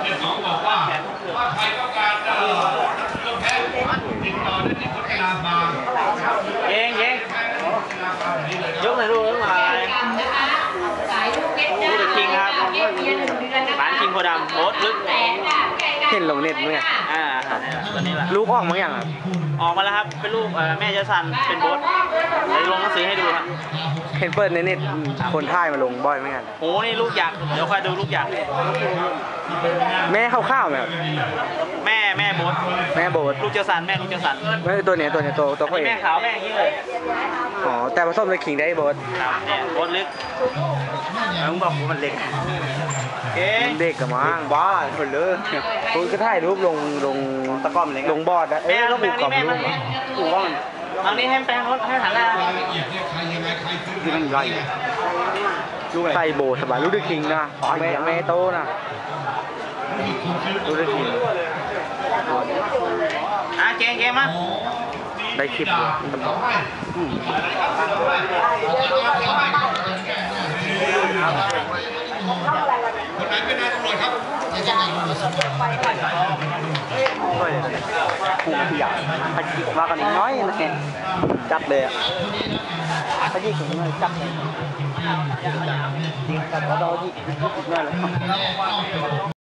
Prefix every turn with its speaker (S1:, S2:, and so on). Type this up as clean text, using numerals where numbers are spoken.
S1: เนี่ยเขาบอกว่าใครต้องการเครื่องแพทย์ติดต่อได้ที่พัฒนาฟาร์ม
S2: เย้ยกหน่อยลูกมาลูกคิงครับร้านคิงโพดำโอ๊ตลึก
S3: เห็นลงเน็ตมั้ย
S2: ตัวนี้แหละ
S3: ลูกออกมั้งอย่างครับ
S2: ออกมาแล้วครับเป็นลูกแม่เจสันเป็นโบ๊ทเดี๋ยวลงหนังสือให้ดูครับ
S3: เห็นเปิดในเน็ตคนท่ายมาลงบ่อยไหมกัน
S2: โอ้นี่ลูกหยักเดี๋ยวคอยดูลูกหยัก
S3: แม่ข้าวๆไหมครับ
S2: แม่โบ๊ทลูกเจสันแม่ลูกเจสัน
S3: ไม่ตัวเนี้ยตัวเขาเอง
S2: แม่ขาวแม่อย่างนี้เลย
S3: อ๋อแต่ผสมในคิงได้โบ๊ท
S2: เนี่ยโบ๊ทลึกมึงบอกกูมันเล็ก
S3: เด็กกับมั้งบ้าคนเลยคุณก็ถ่ายรูปลง
S2: ตะก้อมเลย
S3: ลงบอร์ดนะ
S2: ต้องผูกกับลูกผูกว่ามันทางนี้ให้แปลงรถให้หันหน้า
S3: ที่มันไรใส่โบสบายลูกเด็กคิงนะแม่โตนะลูกเด็กคิง
S2: เก่งมั้ย
S3: ได้คลิปเลย
S1: คนไหนเป็นนายตำรวจครับ
S3: ผูกขยะพัดจิกมากันน้อยนะจัดเลยอ่ะพัดจิกของมันจัดเลยจริงจัดแล้วเราจิกน้อยเลย